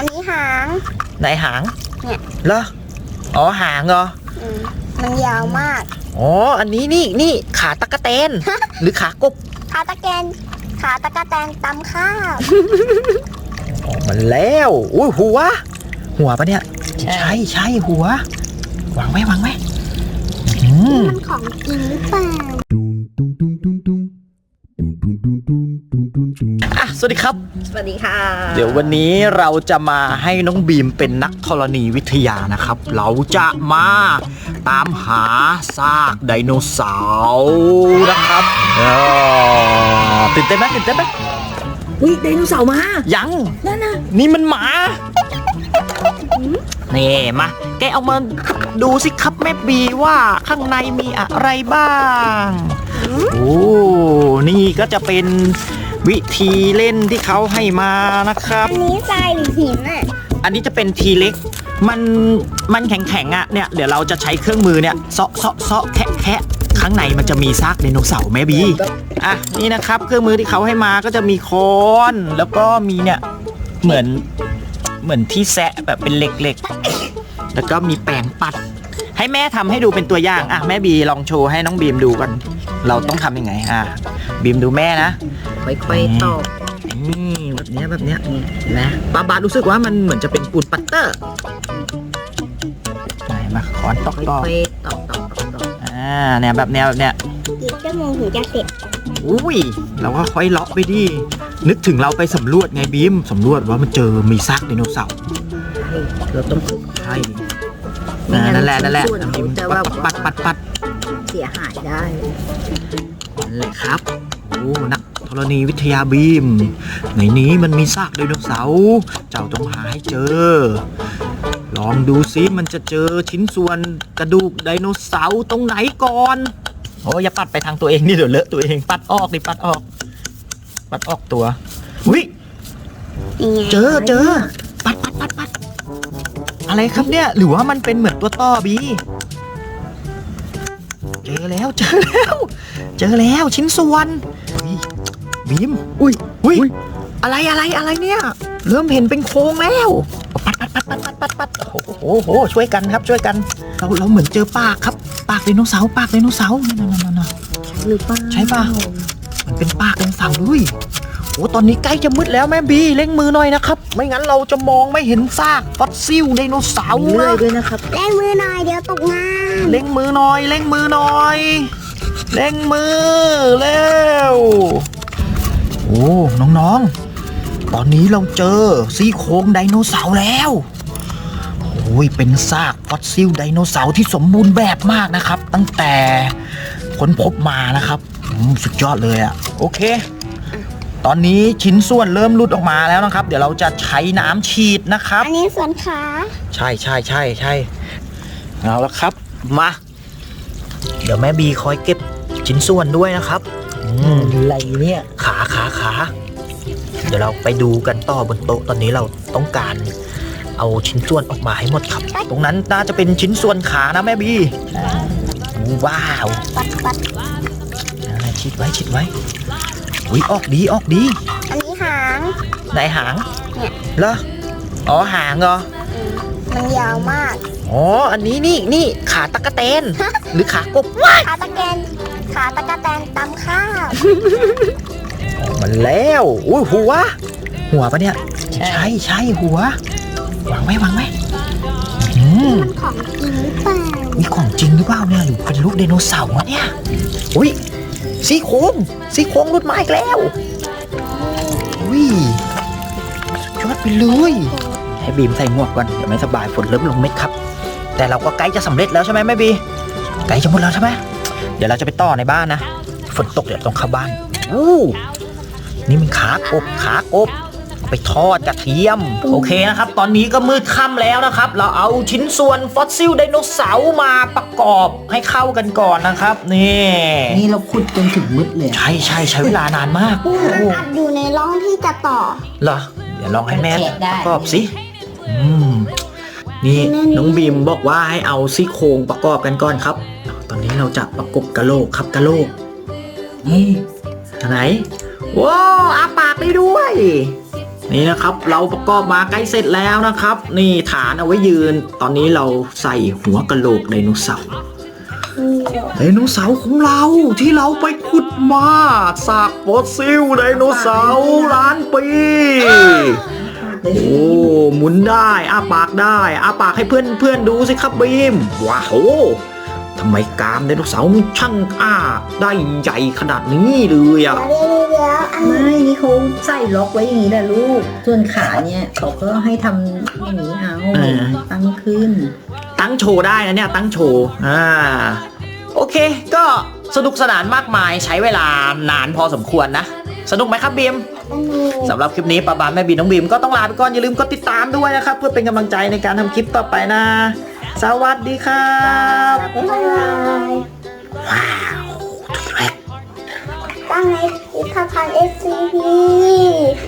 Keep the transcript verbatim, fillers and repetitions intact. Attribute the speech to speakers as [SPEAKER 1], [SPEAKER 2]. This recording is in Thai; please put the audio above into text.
[SPEAKER 1] นนี้หาง
[SPEAKER 2] ไหนหาง
[SPEAKER 1] เนี่ย
[SPEAKER 2] เหรออ๋อหางเหรอ
[SPEAKER 1] อืมมันยาวมาก
[SPEAKER 2] อ๋ออันนี้นี่นี่ขาตะกะแตน หรือขากบ
[SPEAKER 1] ขาตะแกนขาตะกะแตนตำข้าว
[SPEAKER 2] ออกมาแล้วอุ้ยหัวหัวปะเนี่ยใช่ใช่หัววางไว้วางไว้
[SPEAKER 1] มันของจริงหรือเปล่า
[SPEAKER 2] อ่ะสวัสดีครับ
[SPEAKER 1] สวัสดีค่ะ
[SPEAKER 2] เดี๋ยววันนี้เราจะมาให้น้องบีมเป็นนักธรณีวิทยานะครับเราจะมาตามหาซากไดโนเสาร์นะครับตื่นเต้นไหมตื่นเต้นไหม
[SPEAKER 3] อุ้ยไดโนเสาร์มา
[SPEAKER 2] ยัง
[SPEAKER 3] นั่นนะ
[SPEAKER 2] นี่มันหมานี่มาแกเอามาดูสิครับแม่บีว่าข้างในมีอะไรบ้างโอ้นี่ก็จะเป็นวิธีเล่นที่เขาให้มานะครับ
[SPEAKER 1] อันนี้ทรายหรือหินอ่ะ
[SPEAKER 2] อันนี้จะเป็นทีเล็กมันมันแข็งๆอ่ะเนี่ยเดี๋ยวเราจะใช้เครื่องมือเนี่ยเซาะเซาะเซาะแคะแคะข้างในมันจะมีซากไดโนเสาร์แม่บีอ่ะนี่นะครับเครื่องมือที่เขาให้มาก็จะมีค้อนแล้วก็มีเนี่ยเหมือนเหมือนที่แซะแบบเป็นเหล็กๆแล้วก็มีแปรงปัดให้แม่ทำให้ดูเป็นตัวอย่างอ่ะแม่บีลองโชว์ให้น้องบีมดูกันเราต้องทำยังไงอ่ะบีมดูแม่นะ
[SPEAKER 3] ค่อยๆตอก
[SPEAKER 2] นี่แบบเนี้ยแบบเนี้ยนะป้าบารู้สึกว่ามันเหมือนจะเป็นปูนปัตเตอร์ไหนมาขอนตอกตอก
[SPEAKER 3] ค่อยๆตอกตอกตอกตอก
[SPEAKER 2] อ่าเนี่ยแบบเนี้ยแบบเนี้ย
[SPEAKER 1] กี่ชั่วโมงถึงจะเสร็จ
[SPEAKER 2] อุ้ยเราก็ค่อยเลาะไปดินึกถึงเราไปสำรวจไงบีมสำรวจว่ามันเจอมีซากไดโนเสาร์
[SPEAKER 3] เราต้อง
[SPEAKER 2] ใช่นั่นแหละนั่นแหละ
[SPEAKER 3] จะว่า
[SPEAKER 2] ปัดปัดปัด
[SPEAKER 3] เสียหายได้
[SPEAKER 2] นั่นแหละครับโอ้นักธรณีวิทยาบีมในนี้มันมีซากไดโนเสาร์เจ้าต้องหาให้เจอลองดูซิมันจะเจอชิ้นส่วนกระดูกไดโนเสาร์ตรงไหนก่อนโอ้อย่าปัดไปทางตัวเองนี่เดี๋ยวเลอะตัวเองปัดออกดิปัดออกปัดออกตัวอุ้ยเจอเจอปัดปัดปัดปัดอะไรครับเนี่ยหรือว่ามันเป็นเหมือนตัวต่อบีเจอแล้วเจอแล้วเจอแล้วชิ้นส่วนบีมอุ้ยอุ้ยอะไรอะไรอะไรเนี่ยเริ่มเห็นเป็นโครงแล้วปัดปัดปัดปัดปัดปัดปัดโอ้โหช่วยกันครับช่วยกันเราเราเหมือนเจอปากครับปากไดโนเสาร์ปากไดโนเสาร์นั่นนั่นนั่น
[SPEAKER 3] หรือเปล่า
[SPEAKER 2] ใช่ป่ะมันเป็นปากไดโนเสาร์ด้วยโอ้ตอนนี้ใกล้จะมืดแล้วแม่บีเร่งมือหน่อยนะครับไม่งั้นเราจะมองไม่เห็นซากฟอสซิลไดโนเสาร์
[SPEAKER 3] เลยด้วยนะครับ
[SPEAKER 1] เร่งมือหน่อยเดี๋ยวตกงาน
[SPEAKER 2] เร่งมือหน่อยเร่งมือหน่อยเร่งมือเร็วโอ้น้องๆตอนนี้เราเจอซี่โครงไดโนเสาร์แล้วโอ้ยเป็นซากฟอสซิลไดโนเสาร์ที่สมบูรณ์แบบมากนะครับตั้งแต่ค้นพบมานะครับสุดยอดเลยอะโอเคตอนนี้ชิ้นส่วนเริ่มหลุดออกมาแล้วนะครับเดี๋ยวเราจะใช้น้ำฉีดนะครับ
[SPEAKER 1] อันนี้ส่วนขา
[SPEAKER 2] ใช่ใช่ใช่ใช่เอาละครับมาเดี๋ยวแม่บีคอยเก็บชิ้นส่วนด้วยนะครับ
[SPEAKER 3] อะไรเนี่ย
[SPEAKER 2] ขาขาขาเดี๋ยวเราไปดูกันต่อบนโต๊ะตอนนี้เราต้องการเอาชิ้นส่วนออกมาให้หมดครับตรงนั้นน่าจะเป็นชิ้นส่วนขานะแม่บีว้าว
[SPEAKER 1] ปัดปัด
[SPEAKER 2] ชิดไว้ชิดไว้อุ้ยออกดีออกดี
[SPEAKER 1] อันนี้หาง
[SPEAKER 2] ไหนหาง
[SPEAKER 1] เนี่ย
[SPEAKER 2] เหรออ๋อหางเหรอ
[SPEAKER 1] มันยาวมาก
[SPEAKER 2] อ๋ออันนี้นี่นี่ขาตะกะแตน หรือขากบ
[SPEAKER 1] ขาตะแกนขาตะกะแตนตำข้าว
[SPEAKER 2] ออกมาแล้วอุ้ยหัวหัวปะเนี่ยใช่ใช่หัววางไว้วางไว้
[SPEAKER 1] มันของจริงหรือเปล่า
[SPEAKER 2] มีของจริงหรือเปล่าเนี่ยหรือเป็นลูกไดโนเสาร์วะเนี่ยอุ้ยซี่โครงซี่โครงรุดมาอีกแล้วอุ้ยยอดไปเลยให้บีมใส่หมวกก่อนเดี๋ยวไม่สบายฝนเริ่มลงเม็ดครับแต่เราก็ใกล้จะสำเร็จแล้วใช่ไหมแม่บีใกล้จะหมดแล้วใช่ไหมเดี๋ยวเราจะไปต่อในบ้านนะฝนตกเดี๋ยวต้องเข้าบ้านอู้นี่มันขากบขากบไปทอดกระเทียมโอเคนะครับตอนนี้ก็มืดค่ำแล้วนะครับเราเอาชิ้นส่วนฟอสซิลไดโนเสาร์มาประกอบให้เข้ากันก่อนนะครับนี่
[SPEAKER 3] นี่เราขุดจนถึงมืดเลย
[SPEAKER 2] ใช่ใช่ใช้เวลานานมาก
[SPEAKER 1] มันอัดอยู่ในร่องที่จะต่อ
[SPEAKER 2] เหรอเดี๋ยวลองให้แม่ประกอบสิอืมนี่น้องบีมบอกว่าให้เอาซี่โครงประกอบกันก่อนครับตอนนี้เราจะประกบกะโหลกครับกะโหลกนี่ไหนว้าวอาปากได้ด้วยนี่นะครับเราประกอบมาใกล้เสร็จแล้วนะครับ นี่ฐานเอาไว้ยืน ตอนนี้เราใส่หัวกะโหลกไดโนเสาร์ไดโนเสาร์ของเราที่เราไปขุดมาซากฟอสซิลไดโนเสาร์ล้านปีโอ้หมุนได้อ้าปากได้อ้าปากให้เพื่อนเพื่อนดูสิครับบีมว้าวทำไมกรามไดโนเสาร์มันช่างอ้าได้ใหญ่ขนาดนี้เลยอ่ะ
[SPEAKER 1] เดี๋ยวเดี๋ยวอันนี้
[SPEAKER 3] ไม่นี่เขาใส่ล็อกไว้อย่างนี้แหละลูก ส่วนขาเนี่ยเขาก็ให้ทำอย่างนี้เอาตั้งขึ้น
[SPEAKER 2] ตั้งโชว์ได้นะเนี่ยตั้งโชว์อ่าโอเคก็สนุกสนานมากมายใช้เวลานานพอสมควรนะสนุกไหมครับบีม
[SPEAKER 1] อันนี้
[SPEAKER 2] สำหรับคลิปนี้ป้าบานแม่บีน้องบีมก็ต้องลาไปก่อนอย่าลืมกดติดตามด้วยนะครับเพื่อเป็นกำลังใจในการทำคลิปต่อไปนะสวัสดีครับ
[SPEAKER 1] บ๊ายบาย
[SPEAKER 2] ว้าวแรก
[SPEAKER 1] ตั้งในพิพิธภัณฑ์ เอส ซี พี